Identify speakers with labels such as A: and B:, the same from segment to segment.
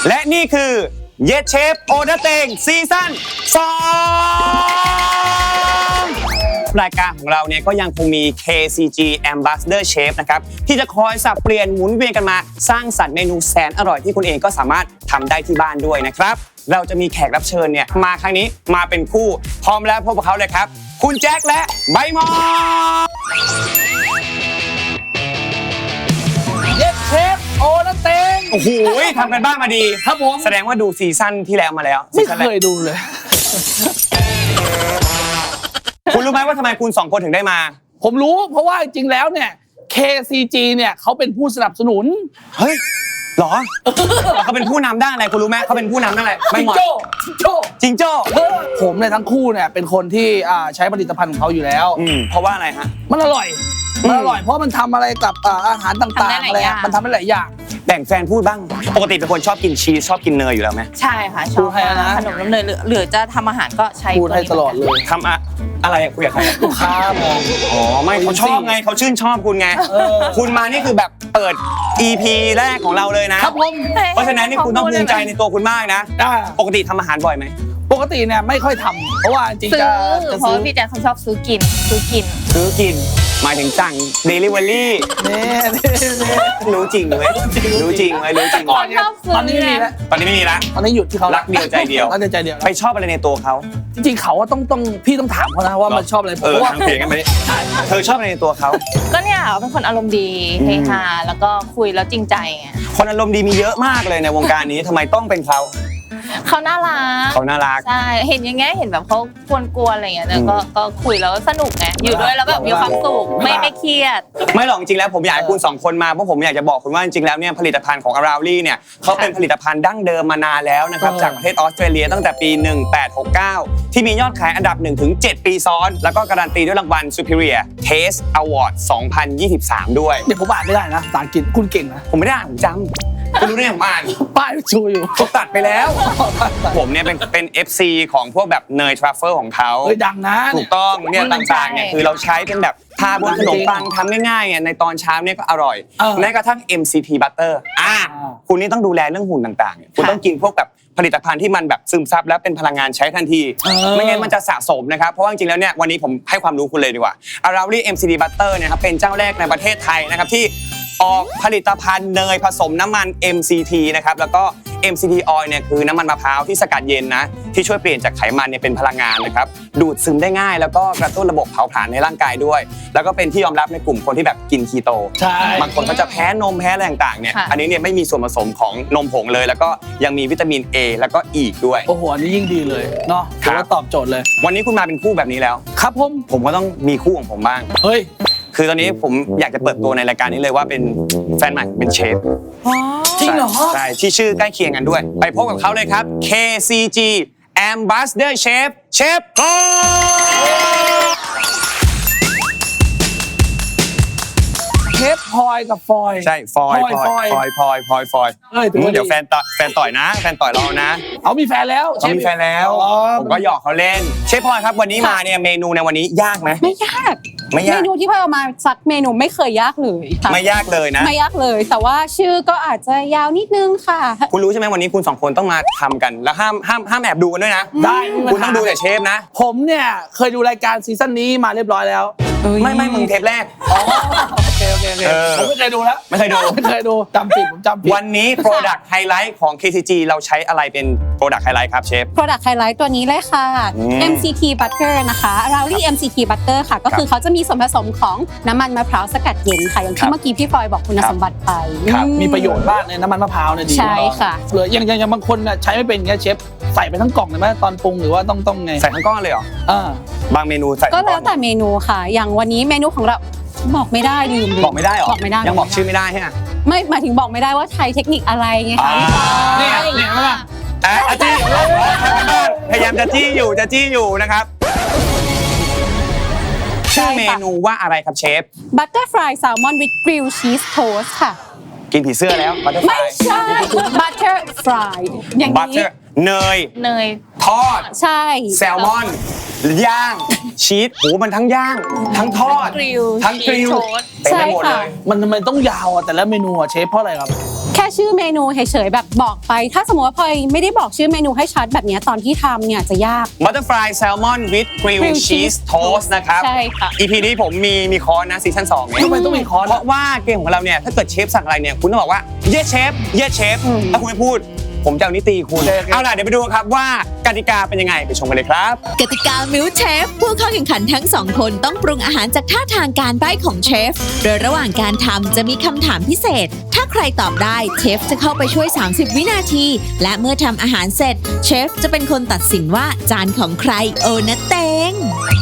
A: และนี่คือเยสเชฟโอเดเตงซีซั่น2รายการของเราเนี่ยก็ยังคงมี KCG Ambassador Chef นะครับที่จะคอยสับเปลี่ยนหมุนเวียนกันมาสร้างสรรค์เมนูแสนอร่อยที่คุณเองก็สามารถทำได้ที่บ้านด้วยนะครับเราจะมีแขกรับเชิญเนี่ยมาครั้งนี้มาเป็นคู่พร้อมแล้วพบกับเขาเลยครับคุณแจ็คและใบหมอ
B: เยสเชฟโอนาเตง
A: โอ้โหทำกันบ้างมาดี
B: ครับผม
A: แสดงว่าดูซีซั่นที่แล้วมาแล้ว
B: ไม่เคยดูเลย
A: คุณรู้ไหมว่าทำไมคุณ2คนถึงได้มา
B: ผมรู้เพราะว่าจริงๆแล้วเนี่ย KCG เนี่ยเขาเป็นผู้สนับสนุน
A: เฮ้ยหรอเขาเป็นผู้นำด้านอะไรคุณรู้ไหมเขาเป็นผู้นำด้านอะไร
B: จิงโจ้ผมเนี่ยทั้งคู่เนี่ยเป็นคนที่ใช้ผลิตภัณฑ์ของเขาอยู่แล้ว
A: เพราะว่าอะไรฮะ
B: มันอร่อยเพราะมันทำอะไรกับอาหารต่างๆอะไรมันทำได้หลายอย่าง
A: แบ่งแฟนพูดบ้างปกติเป็นคนชอบกินชีสชอบกินเนยอยู่แล้วไหม
C: ใช่ค่ะชอบขนมน้ำเนยหรือจะทำอาหารก็ใช้
B: พูดให้ตลอดเลย
A: ทำอะไรคุยกับใคร
B: ลูกค้ามอง
A: อ๋อไม่เขาชอบไงเขาชื่นชอบคุณไงคุณมานี่คือแบบเปิด EP แรกของเราเลยนะครับ
B: ผม
A: เพราะฉะนั้นนี่คุณต้องภูมิใจในตัวคุณมากนะปกติทำอาหารบ่อยไหม
B: ปกติเนี่ยไม่ค่อยทำเพราะว่าจริงจะ
C: เพราะพี่แจ๊คเขาชอบซื้อกิน
A: หมายถึงสั่ง delivery
B: นี่
A: รู้จริงไหมรู้จริง
B: ตอนนี้ไม่มีแล้ว
A: ตอนนี้ไม่มีแล้ว
B: ตอนนี้หยุดที่เขา
A: รักเดียวใจเดียวไปชอบอะไรในตัวเขา
B: จริงๆเขาต้องพี่ต้องถามเขานะว่ามันชอบอะไรผมว่า
A: ทางเพลงกันไหมเธอชอบอะไรในตัวเขา
C: ก็เนี่ยเป็นคนอารมณ์ดีเฮฮาแล้วก็คุยแล้วจริงใจไง
A: คนอารมณ์ดีมีเยอะมากเลยในวงการนี้ทำไมต้องเป็นเขา
C: เขาน่ารักใช่เห็นอย่างเงี้ยเห็นแบบเขากวนๆอะไรอย่างเงี้ยก็คุยแล้วสนุกไงอยู่ด้วยแล้วแบบมีความสุขไม่เครียด
A: ไม่หรอกจริงแล้วผมอยากให้คุณ2คนมาเพราะผมอยากจะบอกคุณว่าจริงๆแล้วเนี่ยผลิตภัณฑ์ของ Aroundly เนี่ยเขาเป็นผลิตภัณฑ์ดั้งเดิมมานานแล้วนะครับจากประเทศออสเตรเลียตั้งแต่ปี1869ที่มียอดขายอันดับ 1-7 ปีซ้อนแล้วก็การันตีด้วยรางวัล Superior Taste Award 2023ด้วย
B: เดี๋ยวผมอ่านไม่ได้นะภาษาอังกฤษคุณเก่งนะ
A: ผมไม่ได้อ่านผมจำคุณรู้ได้อย่างอ่าน
B: ป้ายชูอยู่
A: เขาตัดไปแล้วผมเนี่ยเป็น FC ของพวกแบบเนยทรัฟเฟิลของเขา
B: ดังนะ
A: ถูกต้องเนี่ยต่างๆเนี่ยคือเราใช้เป็นแบบทาบนขนมปังทำง่ายๆเนี่ยในตอนเช้าเนี่ยก็อร่อยแม้กระทั่ง MCT Butter คุณนี่ต้องดูแลเรื่องหุ่นต่างๆคุณต้องกินพวกแบบผลิตภัณฑ์ที่มันแบบซึมซับแล้วเป็นพลังงานใช้ทันทีไม่งั้นมันจะสะสมนะครับเพราะว่าจริงๆแล้วเนี่ยวันนี้ผมให้ความรู้คุณเลยดีกว่า Aroundly MCT Butter เนี่ยครับเป็นเจ้าแรกในประเทศไทยนะครับที่ออกผลิตภัณฑ์เนยผสมน้ำมัน MCT นะครับแล้วก็ MCT Oil เนี่ยคือน้ำมันมะพร้าวที่สกัดเย็นนะที่ช่วยเปลี่ยนจากไขมันเนี่ยเป็นพลังงานนะครับดูดซึมได้ง่ายแล้วก็กระตุ้นระบบเผาผลาญในร่างกายด้วยแล้วก็เป็นที่ยอมรับในกลุ่มคนที่แบบกินคีโตบางคนก็จะแพ้นมแพ้อะไรต่างๆเนี่ยอันนี้เนี่ยไม่มีส่วนผสมของนมผงเลยแล้วก็ยังมีวิตามิน A แล้วก็อีกด้วย
B: โอ้โหอันนี้ยิ่งดีเลยเนาะถือว่าตอบโจทย์เลย
A: วันนี้คุณมาเป็นคู่แบบนี้แล้ว
B: ครับ
A: ผมก็ต้องมีคู่ของผมบ้าง
B: เฮ้ย
A: คือตอนนี้ผมอยากจะเปิดตัวในรายการนี้เลยว่าเป็นแฟนใหม่เป็นเชฟ
B: จริงเหรอ
A: ใช่ที่ชื่อใกล้เคียงกันด้วยไปพบกับเขาเลยครับ KCG Ambassador Chef เชฟพ
B: ลอยกับฟอย
A: ใช่ฟอยเดี๋ยวแฟนต่อยนะแฟนต่อยเรานะ
B: เอามีแฟนแล้ว
A: มีแฟนแล้วผมก็หยอกเขาเล่นเชฟพลอยครับวันนี้มาเนี่ยเมนูในวันนี้ยากไหม
D: ไม่ยากเมนูที่พลอยเอามาสักเมนูไม่เคยยากเลยค่ะ
A: ไม่ยากเลยนะ
D: ไม่ยากเลยแต่ว่าชื่อก็อาจจะยาวนิดนึงค่ะ
A: คุณรู้ใช่ไหมวันนี้คุณ2คนต้องมาทำกันแล้วห้ามแอบดูกันด้วยนะ
B: ได้
A: คุณต้องดูแต่เชฟนะ
B: ผมเนี่ยเคยดูรายการซีซั่นนี้มาเรียบร้อยแล้ว
A: ไม่มึงเทปแรก
B: โอเคผมไม่เคยดูแล้ว
A: ไม่เคยดู
B: จำผิด
A: วันนี้ Product Highlight ของ KCG เราใช้อะไรเป็น Product Highlight ครับเชฟ
D: Product Highlight ตัวนี้เลยค่ะ MCT Butter นะคะ Aroundly MCT Butter ค่ะก็คือเขาจะมีส่วนผสมของน้ำมันมะพร้าวสกัดเย็นค่ะอย่างที่เมื่อกี้พี่ฟอยบอกคุณสมบัติไป
B: มีประโยชน์มากในน้ำมันมะพร้าวเนี่ยดี
D: ใช่ค่ะ
B: เหลืออย่างบางคนใช้ไม่เป็นเงี้ยเชฟใส่ไปทั้งกล่องเลยไหมตอนปรุงหรือว่าต้องไง
A: ใส่ทั้งก้อนเลยเหรอบางเมนูใส่
D: ก็แล้วแต่เมนูค่ะอย่างวันนี้เมนูของเราบอกไม่ได้ลืม
A: บอกไม่ได้หรอยังบอกชื่อไม่ได้ใช่ไหม
D: ไม่หมายถึงบอกไม่ได้ว่าใช้เทคนิคอะไรไงคะ
B: เนี่ยมา
A: จี้พยายามจะจี้อยู่นะครับชื่อเมนูว่าอะไรครับเชฟ
D: Butterfly Salmon with Grilled Cheese Toast ค่ะ
A: กินผีเสื้อแล้ว
D: ไม่ใช่ Butterfly อย่างนี้
A: เนย
C: เนย
A: ทอด
D: ใช่
A: แซลมอนย่างชีสโหมันทั้งย่าง ทั้งทอด
C: กริล
A: ทั้งกริล
C: ชีสโทสต์
A: เต็มไปหมดเลย
B: มันทำไมต้องยาวอ่ะแต่ละเมนูอ่ะเชฟเพราะอะไรครับ
D: แค่ชื่อเมนูเฉยๆแบบบอกไป ถ้าสมมติว่าพลอยไม่ได้บอกชื่อเมนูให้ชัดแบบเนี้ยตอนที่ทำเนี่ยจะยาก
A: บัตเตอร์ฟลายแซลมอนวิดกริล
D: Grilled
A: ชีส
D: cheese
A: โทสนะครับ
D: ใช่ค่ะ
A: EP นี้ผมมีคอร์สนะซีซั่น2เนี่ย
B: ทำไมต้องมีคอร์ส
A: เพราะว่าเกมของเราเนี่ยถ้าเกิดเชฟสั่งอะไรเนี่ยคุณต้องบอกว่าเยสเชฟเยสเชฟถ้าคุณไม่พูดผมจะเอานิตีคุณ
B: โอเค
A: เอาล่ะเดี๋ยวไปดูครับว่ากติกาเป็นยังไงไปชมกันเลยครับ
E: กติกามิลเชฟผู้เข้าแข่งขันทั้งสองคนต้องปรุงอาหารจากท่าทางการใบ้ของเชฟ โดยระหว่างการทำจะมีคำถามพิเศษ ถ้าใครตอบได้เชฟจะเข้าไปช่วย 30 วินาที และเมื่อทำอาหารเสร็จเชฟจะเป็นคนตัดสินว่าจานของใครโอนะเตง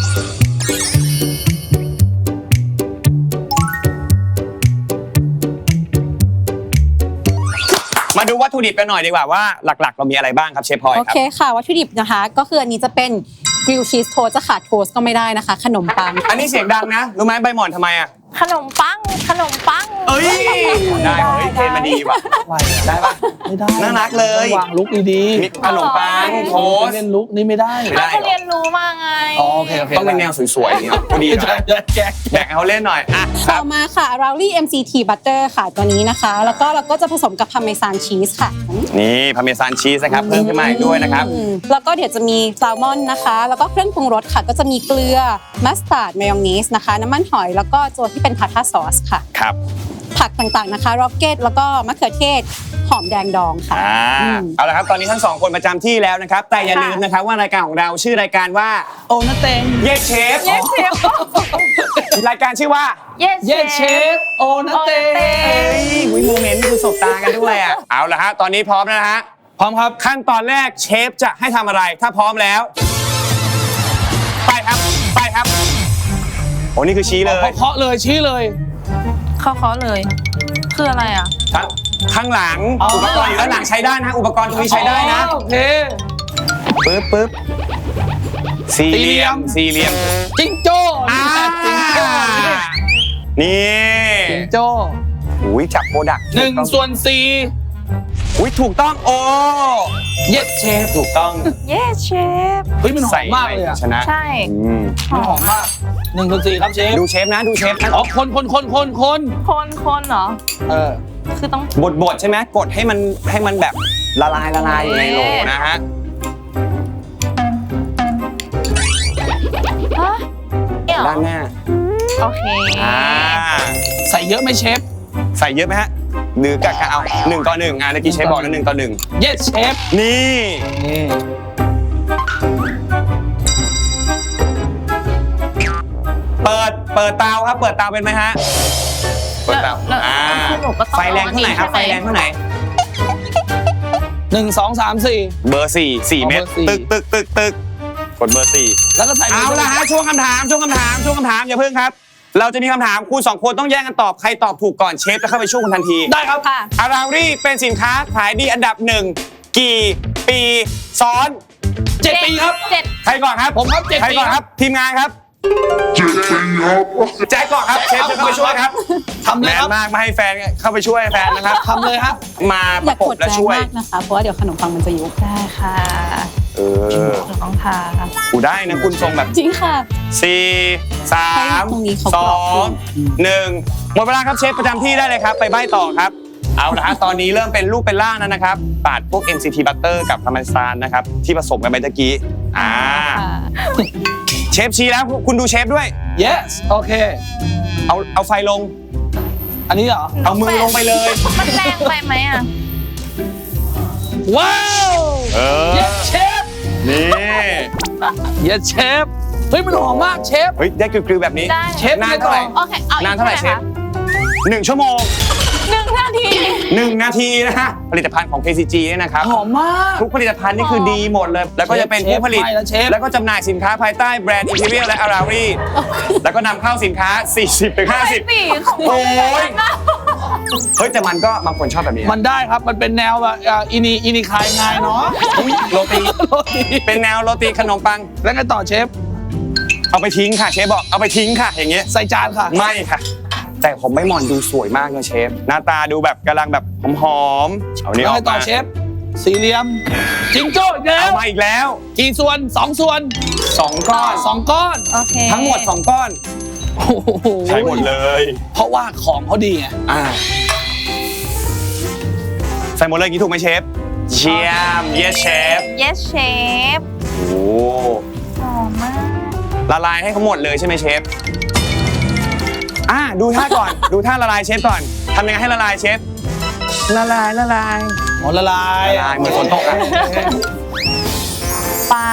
A: มาดูวัตถุดิบกันหน่อยดีกว่าว่าหลักๆ เรามีอะไรบ้างครับเชฟพลอย
D: โอ
A: ครับ
D: เคค่ะ วัตถุดิบนะคะ ก็คืออันนี้จะเป็นกริลชีสโทสจะขาดโทสก็ไม่ได้นะคะ ขนมปัง
A: อันนี้เสียงดังนะรู้ไหมใบหมอนทำไมอ่ะ
C: ขนมปังขนมปัง
A: เอ้ยได้เฮ้ยเทรนมาดีว่ะ ได้ปะ
B: ไม่ได้
A: น่ารักเลย
B: ต้องวางลุกดี
A: มีขนมปังโทส
B: เล่นลุกนี่ไม่ได้
A: ไม่ได้
C: ก็เรียนรู้มาไง
B: อ๋อโอเคโอเค
A: ต้องเป็นแนวสวยๆอย่างเงี้ยพอดีหน่อย
B: แจ๊ก
A: แบ่งให้เขาเล่นหน่อยอ่ะค
D: ต่
A: รั
D: อบ มาค่ะ r a w l y MCT Butter ค่ะตัวนี้นะคะ แล้วก็เราก็จะผสมกับพาเมซานชีสค่ะ
A: นี่พาเมซานชีสนะครับเพิ่มขึ้นมาอีกด้วยนะครับ
D: แล้วก็เดี๋ยวจะมีแซลมอนนะคะ แล้วก็เครื่องปรุงรสค่ะ ก็จะมีเกลือมัสตาร์ดมายองเนสนะคะ น้ำมันหอย แล้วก็ตัวที่เป็นทาร์ทาซอสค่ะ
A: ครับ
D: ผักต่างๆนะคะร็อกเก็ตแล้วก็มะเขือเทศหอมแดงดองค่ะ
A: เอาละครับตอนนี้ทั้งสองคนประจำที่แล้วนะครับ แต่อย่าลืมนะครับว่ารายการของเราชื่อรายการว่า
B: โอนะเตง
A: เยสเชฟ
C: เยสเชฟ
A: รายการชื่อว่า
C: เยส
B: เยสเชฟโอนะเตง
A: เฮ้ยวิโมเมนต์คือสบตากันด้วยอ่ะเอาละฮะตอนนี้พร้อมแล้วนะฮะ
B: พร้อมครับ
A: ขั้นตอนแรกเชฟจะให้ทำอะไรถ้าพร้อมแล้ว ไปครับไปครับโอ้นี่คือชี้เลย
B: เคาะเลยชี้เลย
C: เคาะเลย คืออะไรอ่ะ
A: ข้างหลัง
B: อ๋ออุ
A: อุปกรณ์อยู่ด้านหลังใช้ได้นะอุปกรณ์ตรงนี้ใช้ได้นะ
B: โอเค
A: ปึ๊บสี่เหลี่ยม
B: จิงโจ้
A: อ่า
B: จิงโจ้
A: นี่
B: จิงโจ้
A: อุ้ยจับโปรดักต์
B: 1/4
A: อุ้ยถูกต้องโอ้
B: เยสเชฟ
A: ถูกต้อง
C: เยสเชฟ
B: เฮ้ยมันหอมมากเลยอ่ะ
A: ชนะ
C: ใช่
A: อืม
B: มันหอมมาก1/4ครับเชฟ
A: ดูเชฟนะดูเชฟนะ
B: อ๋อคน
C: คนเหรอ
B: เออ
C: คือต้อง
A: บดใช่ไหมกดให้มันแบบละลายอยู่ในโหลนะฮะ
C: ฮะเนี่ยเหรอ
A: ด้านหน้า
C: โอเค
B: ใส่เยอะไหมเชฟ
A: ใส่เยอะไหมฮะหรือกะเอา1 ต่อ 1เมื่อกี้เชฟบอกนะ1 ต่อ
B: เยสเชฟ
A: 1นี่
B: นี่
A: เปิดเตาครับเปิดเตาเป็นไหมฮะเปิดเตา
C: แล้วคือหนูก็ต้อง
A: ไฟแรงเท่าไหร่ครับ
C: เอา
A: ไฟ
C: อันนี้
A: แรงเท่าไหร่
B: 1 2 3 4
A: เบอร์4 เม็ด
B: เบอร์4
A: ตึกกดเบอร์
B: แล้วก็ใส่
A: 4เอาละฮะช่วงคำถามอย่าเพิ่งครับ เราจะมีคำถามคุณ2 คนต้องแย่งกันตอบใครตอบถูกก่อนเชฟจะเข้าไปช่วยคุณทันที
B: ได้ครับ
C: ค่ะ
A: อารารี่เป็นสินค้าขายดีอันดับ1กี่ปีซ้อน
B: 7 ปีครับ
C: เจ็ด
A: ใครก่อนครับ
B: ผมครับ7
A: ใครก่อน
B: ปี
A: ครับทีมงานครับแจ็คก่อนครับเชฟจะเข้าไปช่วยครับ
B: ทำ
A: แม
B: เลย
A: น
B: ครับ
A: มากมาให้แฟนเข้าไปช่วยแฟนนะครับ
B: ทำเลยครับ
A: มาป
D: อย่า
A: ระก
D: ก
A: บ
D: ด
A: และ
D: แรง
A: ช่วย
D: มากนะคะ เพราะว่าเดี๋ยวขนมปังมันจะยุบ
C: ได้ค่ะ
A: เออ
C: หนูต้องทา
A: กูได้นะคุณทรงแบบ
D: จริงค่ะ
A: 4 3
D: ตรงนี้เขากรอบขึ้น
A: 2 1หมดเวลาครับเชฟประจำที่ได้เลยครับไปใบ้ต่อครับเอาละฮะตอนนี้เริ่มเป็นรูปเป็นร่างแล้วนะครับปาดพวก MCT butter กับพาร์เมซานนะครับที่ผสมกันไปตะกี้เชฟชี้แล้วคุณดูเชฟด้วย
B: yes โอเค
A: เอาไฟลง
B: อันนี้เหรอ
A: เอามือลงไปเลย
C: มันแรงไปไหมอ่ะ
B: ว้าว
A: เออ
B: yes เชฟ
A: นี่
B: yes เชฟเฮ้ยมันหอมมากเชฟ
A: เฮ้ยได้กริวๆแบบนี้
C: ได้
B: เชฟ
A: นานเท่าไหร่
C: โอเค เอาอีก
A: นานเท่าไหร่เชฟ
C: คะ
A: 1 ชั่วโมง
C: 1 นาที
A: 1 นาทีนะฮะผลิตภัณฑ์ของ KCG เนี่ยนะครับ
B: หอมมาก
A: ทุกผลิตภัณฑ์นี่คือดีหมดเลย แล้วก็จะเป็นผู้ผลิต
B: เชฟไปแล้วเชฟ
A: แล้วก็จำหน่ายสินค้าภายใต้แบรนด์ Imperial และ Arari แล้วก็นำเข้าสินค้า 40-50
C: ปีของ
A: โอ้ย เฮ้ย แต่มันก็บางคนชอบแบบนี้
B: มันได้ครับ มันเป็นแนวแบบอินีคายงายเนาะ
A: โรตี
B: โรตี
A: เป็นแนวโรตีขนมปัง
B: แล้วไงต่อเชฟ
A: เอาไปทิ้งค่ะเชฟบอกเอาไปทิ้งค่ะ อย่างเงี้ย
B: ใส่จานค่ะ
A: ไม่ค่ะ แต่ผมไม่มอนดูสวยมากนะเชฟ หน้าตาดูแบบกำลังแบบหอมๆเอานี้
B: แล้
A: อ
B: ว
A: อ
B: ไง
A: ก
B: ต่อ
A: มา
B: เชฟสี่เหลี่ยมจิงโจ้อีกแล้
A: เอา
B: ว
A: มาอีกแล้ว
B: กี่ส่วน2 ส่วน
A: 2 ก้อน
B: 2 ก้อน
C: โอเค
A: ทั้งหมด 2 ก้อน
B: โอ้โห
A: ใช้หมดเลย
B: เพราะว่าของเขาดีไง
A: ใส่หมดเลยอย่างนี้ถูกไหมเชฟเชียม yes chef
C: yes chef
A: โอ้
C: หอมมาก
A: ละลายให้เขาหมดเลยใช่ไหมเชฟดูท่าก่อน ดูท่าละลายเชฟก่อนทำยังไงให้ละลายเชฟละลายละลาย
B: อ๋อละลาย
A: ละลายเหมือนฝนตกอะ
C: ปลา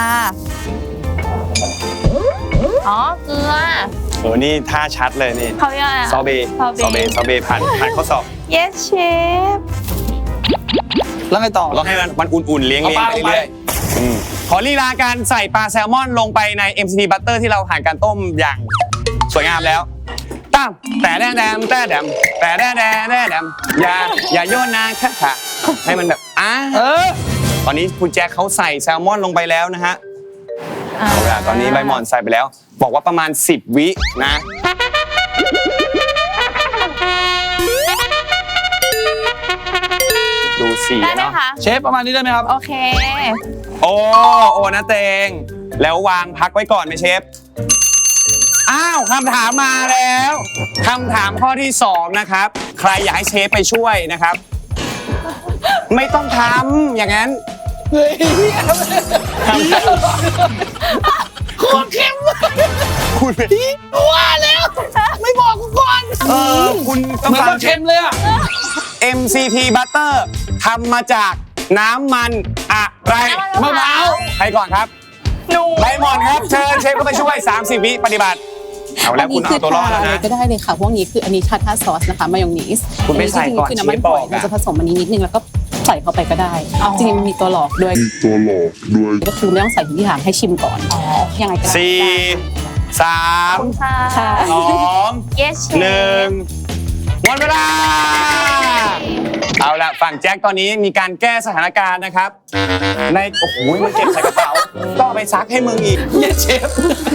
C: อ๋อเกลือ
A: นี่ท่าชัดเลยนี่
C: เขาเรียกอะไรอะ
A: ซอเบซอเบผ่านข้อสอบ
C: yes chef
B: แล้วไงต่อ
A: ลองให้มันอุ่นๆเลี้ยง
B: เอาปลา
A: ไปเรื่อยๆขอลีลาการใส่ปลาแซลมอนลงไปใน MCT Butter ที่เราผ่านการต้มอย่างสวยงามแล้วตั้มแต่แดมแต่แดมแต่แดมอย่าโยนนะค่ะให้มันแบบตอนนี้คุณแจ็คเขาใส่แซลมอนลงไปแล้วนะฮะเอาละตอนนี้ใบหม่อนใส่ไปแล้ว บอกว่าประมาณ10 วินะดูสี
C: ได้ไหม
A: เนาะ
C: คะ
B: เชฟประมาณนี้ได้ไหมครับ
C: โอเค
A: โอ้นะเตงแล้ววางพักไว้ก่อนไหมเชฟคำถามมาแล้วคำถามข้อที่2นะครับ ใครอยากให้เชฟไปช่วยนะครับ ไม่ต้องทำอย่างนั้น
B: เฮ้ยโคตรเข้ม
A: คุณ
B: ว่าแล้ว ไม่บอกกูก่อน
A: คุณต้อง
B: เหมือน
A: ฟั
B: เรา
A: ง
B: เค็มเลยอะ
A: MCT Butter ทำมาจากน้ำมันอะไร
B: มะพร้าว
A: ใครก่อนครับ
C: หนู
A: ใบหมอนครับเชิญเชฟก็ไปช่วย30 วิปฏิบัติเอาแล้วคุณเอาตัวรอดแล้ว
D: อะไร
A: นะ
D: ก็ได้เลยค่ะ พวกนี้คืออันนี้ชาทาซอสนะคะ มายองเนส
A: คุณไม่ใส่ก่อน
D: คือน้ำมัน
A: เชฟ
D: ห
A: บ
D: อ
A: อย กอะ
D: เราจะผสมอันนี้นิดนึงแล้วก็ใส่เข้าไปก็ได้ จริงๆมันมีตัวหลอกด้วยก็คือไม่ต้องใส่ทุกอย่างให้ชิมก่อนยังไงก็ได้
A: 4 3
C: ค่ะ
D: ค่ะ
A: 2
C: yes chef
A: 1หมดเวลาเอาละฝั่งแจ็คตอนนี้มีการแก้สถานการณ์นะครับในโอ้โหมันเก็บใส่กระเป๋าก็เอาไปซักให้มึงอีก
B: เย้เชฟ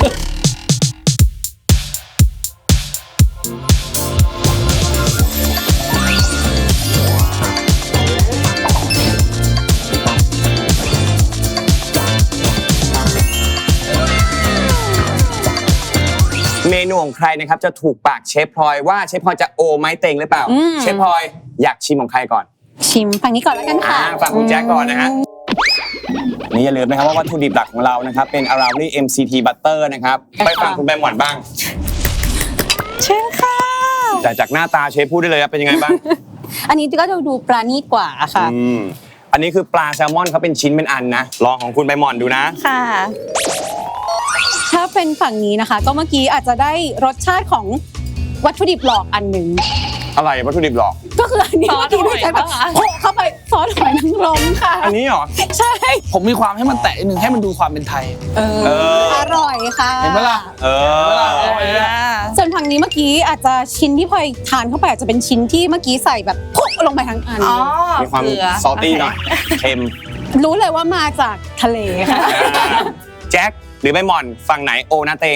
A: เมนูของใครนะครับจะถูกปากเชฟพลอยว่าเชฟพลอยจะโอไม้เต็งหรือเปล่า เชฟพลอยอยากชิมของใครก่อน
D: ชิมฝั่งนี้ก่อนแล้วกันค่ะ
A: ฝั่งคุณแจ็คก่อนนะฮะนี่อย่าลืมนะครับว่าวัตถุดิบหลักของเรานะครับเป็น Around MCT Butter นะครับไปฝั่งคุณแบมหวานบ้าง
D: เชิญค่ะ
A: แต่จากหน้าตาเชฟพูดได้เลยครับเป็นยังไงบ้าง
D: อันนี้ก็ดูปราณีตกว่าค่ะ
A: อันนี้คือปลาแซลมอนเขาเป็นชิ้นเป็นอันนะลองของคุณใบหม่อนดูนะ
C: ค่ะ
D: ถ้าเป็นฝั่งนี้นะคะ ก็เมื่อกี้อาจจะได้รสชาติของวัตถุดิบหลอกอันหนึ่ง
A: อะไรวัตถุดิบหรอก
D: ก็คืออันนี้
C: ซอ
D: เมื่
C: ส
D: อกี้ไม่ใช่แบบ
C: หอยปะคะ
D: โขกเข้าไปซอสหอยนางรมค่ะ
A: อันนี้เหรอ
D: ใช่
B: ผมมีความให้มันแตะนิดนึงให้มันดูความเป็นไทย
A: อ
D: อร่อยค่ะ
B: เห็นไหมล่ะ
A: เออ
D: ส่วนฝั่งนี้เมื่อกี้อาจจะชิ้นที่พลอยทานเข้าไปอาจจะเป็นชิ้นที่เมื่อกี้ใส่แบบพุกลงไปทั้งอัน
C: อ๋อ
A: มีความ
C: เกลือ
A: ซอลตี้หน่อยเค็ม
D: รู้เลยว่ามาจากทะเลค่ะ
A: แจ็คหรือใบหม่อนฝั่งไหนโอนะเตง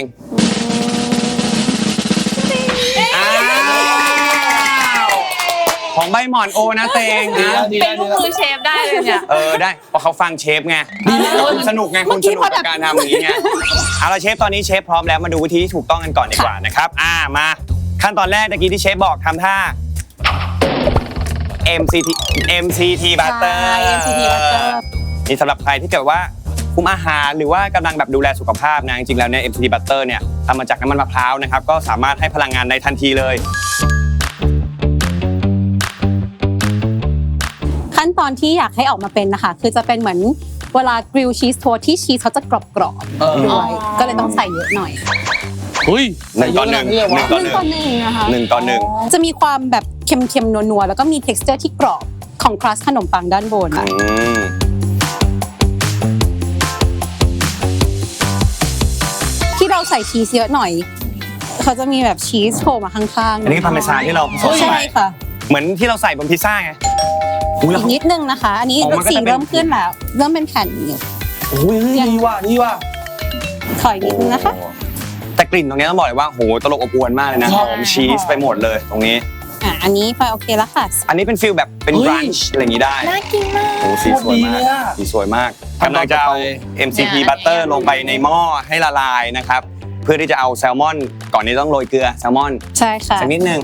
A: อ้าวของใบหม่อนโอนะเตงนะ
C: เป็นลูกมือเชฟได้เลยเนี่ย
A: ได้เพราะเขาฟังเชฟไงคุณสนุกไงคุณสนุกกับการทำอย่างนี้ไงเอาละเชฟตอนนี้เชฟพร้อมแล้วมาดูวิธีที่ถูกต้องกันก่อนดีกว่านะครับมาขั้นตอนแรกตะกี้ที่เชฟบอกทำท่า MCT Butter
D: ใช่ MCT Butter
A: นี่สำหรับใครที่เกิดว่าคุมอาหารหรือว่ากำลังแบบดูแลสุขภาพนะจริงๆแล้วเนี่ย MCT Butter เนี่ยทำมาจากน้ำมันมะพร้าวนะครับก็สามารถให้พลังงานในทันทีเลย
D: ขั้นตอนที่อยากให้ออกมาเป็นนะคะคือจะเป็นเหมือนเวลากริลชีสโทสที่ชีสเขาจะกรอบๆด้วยก็เลยต้องใส่เยอะหน่อย
B: อุ้ย
A: 1 ต่อ 1 1 ต่อ
D: 1 ต่อ 1นะคะ
A: 1 ต่อ 1
D: จะมีความแบบเค็มๆนัวๆแล้วก็มี texture ที่กรอบของครัสขนมปังด้านบนที่เราใส่ชีสเยอะหน่อยเขาจะมีแบบชีสโผล่มาข้างๆ
A: อันนี้คือพาร์เมซานที่เราผสม
D: ใช่
A: ไป
D: ค่ะ
A: เหมือนที่เราใส่บนพิซซ่าไง
D: อีกนิดนึงนะคะ อันนี้
A: อ๋อมันก็จะ
D: สี
A: เป็น
D: เริ่มขึ้นแล้วเริ่มเป็นแผ่นอยู่
B: อุ้ยดีว่ะ
D: ขออีกนิดนึงนะคะ
A: แต่กลิ่นตรงนี้ต้องบอกเลยว่าโหตลบอบอวลมากเลยนะหอมชีสไปหมดเลยตรงนี้
D: อันนี้พลอยโอเคแล้วค่ะ
A: อันนี้เป็นฟิลแบบเป็น
B: เฮ้ย
A: บรันช์อะไรอย่างนี้ได้
C: น่ากินมาก
A: โอ้สีสวยมาก
B: โคตรดีเลยอะ
A: สีสวยมากกำลังจะเอา MCT butter ลงไปในหม้อให้ละลายนะครับเพื่อที่จะเอาแซลมอนก่อนนี้ต้องโรยเกลือแซลมอน
D: ใช่ค่ะ
A: สักนิดนึง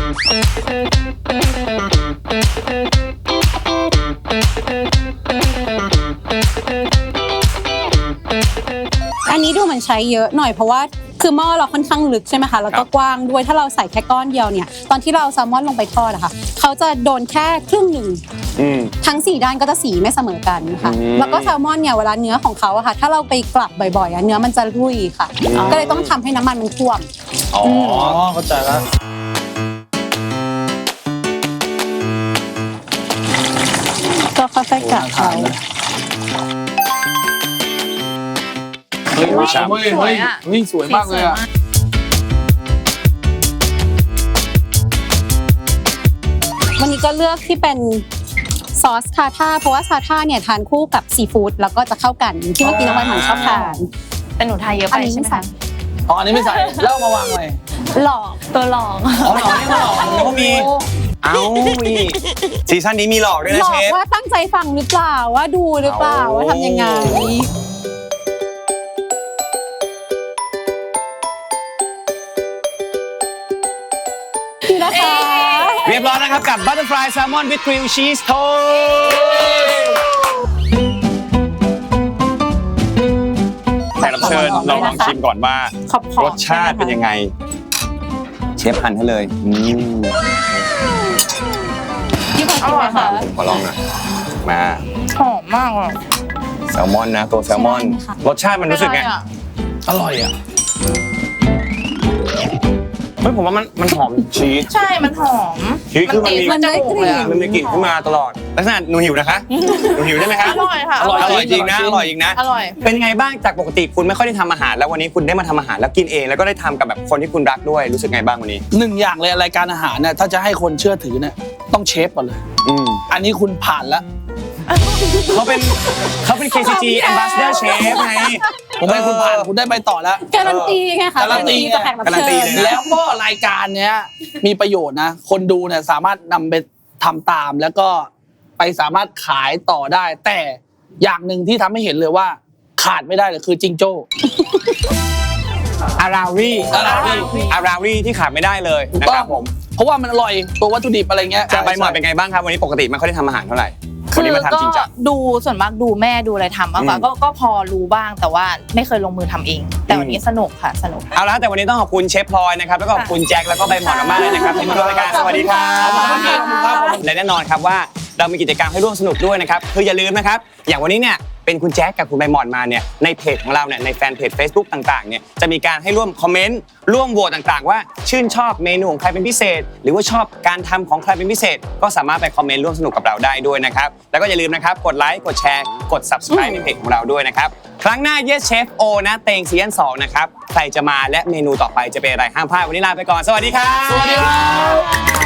D: อันนี้ดูเหมือนใช้เยอะหน่อยเพราะว่าคือหม้อเราค่อนข้างลึกใช่ไหมคะแล้วก็กว้างด้วยถ้าเราใส่แค่ก้อนเดียวเนี่ยตอนที่เราเอาแซลมอนลงไปทอดอะค่ะเขาจะโดนแค่ครึ่งหนึ่ง
A: อืม
D: ทั้ง4ด้านก็จะสีไม่เสมอกันค่ะ
A: อืม
D: แล้วก็แซลมอนเนี่ยเวลาเนื้อของเขาอะค่ะถ้าเราไปกลับบ่อยๆอะเนื้อมันจะรุ่ยค่ะ ก็เลยต้องทำให้น้ำมันมันท่วม
A: อ๋อ
B: อ๋อเข้าใจแล้ว
D: ก็ค่อยๆกลับเขา
B: เฮ้ย
A: โอ้ยฉ่ำ
B: เฮ้ยเฮ้ยเฮ้ยสวยมากเลยอ่ะ
D: วันนี้ก็เลือกที่เป็นซอสทาท่าเพราะว่าทาท่าเนี่ยทานคู่กับซีฟู้ดแล้วก็จะเข้ากันที่เมื่อกี้น้องใบหม่อนชอบทาน
C: แต่หนูทายเยอะ
D: อั
C: ไป
D: นนี้
C: ใช่
D: ไม่
C: ไหม
D: ใส่
C: คะ
B: อ๋ออันนี้ไม่ใส่แล้วเอามาวางไว้
C: หลอกตัวหลอก
B: อ๋อเหรอนี่มาหรอ
A: แล้วก็มี เอ้านี่ซีซั่นนี้มีหลอกด้วยนะ
D: หลอ
A: เช
D: ก
A: ฟ
D: ว่าตั้งใจฟังหรือเปล่าว่าดูหรือเปล่าว่าทำยังไงนี่นะคะ
A: เรียบร้อยนะครับกับ Butterfly Salmon with Grilled Cheese Toast แขกรับเชิญเราลองชิมก่อนว่า
D: ขอบๆ
A: รสชาติเป็นยังไง เชฟหั่นให้เลย
D: พี่พอกินไหมคะ
A: ขอลองหน่อยมา
C: หอมมากอ่ะ
A: แซลมอนนะตัวแซลมอน
D: ใช่ค่ะ
A: รสชาติมันรู้สึกไง
B: อร่อยอ่ะ
A: เฮ้ยผมว่ามันหอมชีส
C: ใช่มันหอม
A: ชีสคือมันมี
D: มันได้กลิ่น
A: มันมีกลิ่นขึ้นมาตลอดลักษณะหนูหิวนะคะหนูหิวใช่ไหมคะ
C: อร่อยค่ะ
B: อร่อย
A: อร่อยจริงนะอร่อยจริงนะ
C: อร่อย
A: เป็นไงบ้างจากปกติคุณไม่ค่อยได้ทำอาหารแล้ววันนี้คุณได้มาทำอาหารแล้วกินเองแล้วก็ได้ทำกับแบบคนที่คุณรักด้วยรู้สึกไงบ้างวันนี้
B: หนึ่งอย่างเลยรายการอาหารเนี่ยถ้าจะให้คนเชื่อถือเนี่ยต้องเชฟก่อนเลย
A: อืม
B: อันนี้คุณผ่านแล้ว
A: เขาเป็น KCG Ambassador Chef ไง
B: ผมให้คุณผ่านคุณได้ไปต่อแล้ว
D: การันตีไงคะ
B: การันตี
D: จากแขกรับ
A: การันตี
D: เชิญ
A: เลยนะ
B: แล้วก็รายการเนี้ยมีประโยชน์นะ คนดูเนี่ยสามารถนำไปทำตามแล้วก็ไปสามารถขายต่อได้ แต่อย่างหนึ่งที่ทำให้เห็นเลยว่าขาดไม่ได้เลยคือจิงโจ้
A: อาราวีที่ขาดไม่ได้เลยนะครับผม
B: เพราะว่ามันอร่อยตัววัตถุดิบอะไรเงี้ย
A: จะไปหมอดเป็นไงบ้างครับวันนี้ปกติไม่ค่อยได้ทำอาหารเท่าไหร่วัน
C: คื
A: นี้
C: อ
A: มา
C: ก็
A: ทำจริงจัง
C: ดูส่วนมากดูแม่ดูอะไรทำมากกว่า
A: อืม
C: ก็พอรู้บ้างแต่ว่าไม่เคยลงมือทำเอง แต่วันนี้สนุกค่ะสนุก
A: เอาละแต่วันนี้ต้องขอบคุณเชฟพลอยนะครับแล้วก็ขอบคุณแจ็คแล้วก็ใบหมอนมากๆเลยนะครับที่มาร่วมรายการสวัสดีครับ
B: ขอบคุณครับ
A: และแน่นอนครับว่าเรามีกิจกรรมให้ร่วมสนุกด้วยนะครับคืออย่าลืมนะครับอย่างวันนี้เนี่ยเป็นคุณแจ็คกับคุณใบหมอนมาเนี่ยในเพจของเราเนี่ยในแฟนเพจ Facebook ต่างๆเนี่ยจะมีการให้ร่วมคอมเมนต์ร่วมโหวตต่างๆ ว่าชื่นชอบเมนูของใครเป็นพิเศษ หรือว่าชอบการทำของใครเป็นพิเศษ ก็สามารถไปคอมเมนต์ร่วมสนุกกับเราได้ด้วยนะครับแล้วก็อย่าลืมนะครับกดไลค์กดแชร์กด Subscribe ในเพจของเราด้วยนะครับครั้งหน้า Yes Chef O นะเตงซีซั่น2นะครับใครจะมาและเมนูต่อไปจะเป็นอะไรห้ามพลาดวันนี้ลาไปก่อนสวัสดีครับ
B: สวัสดีครับ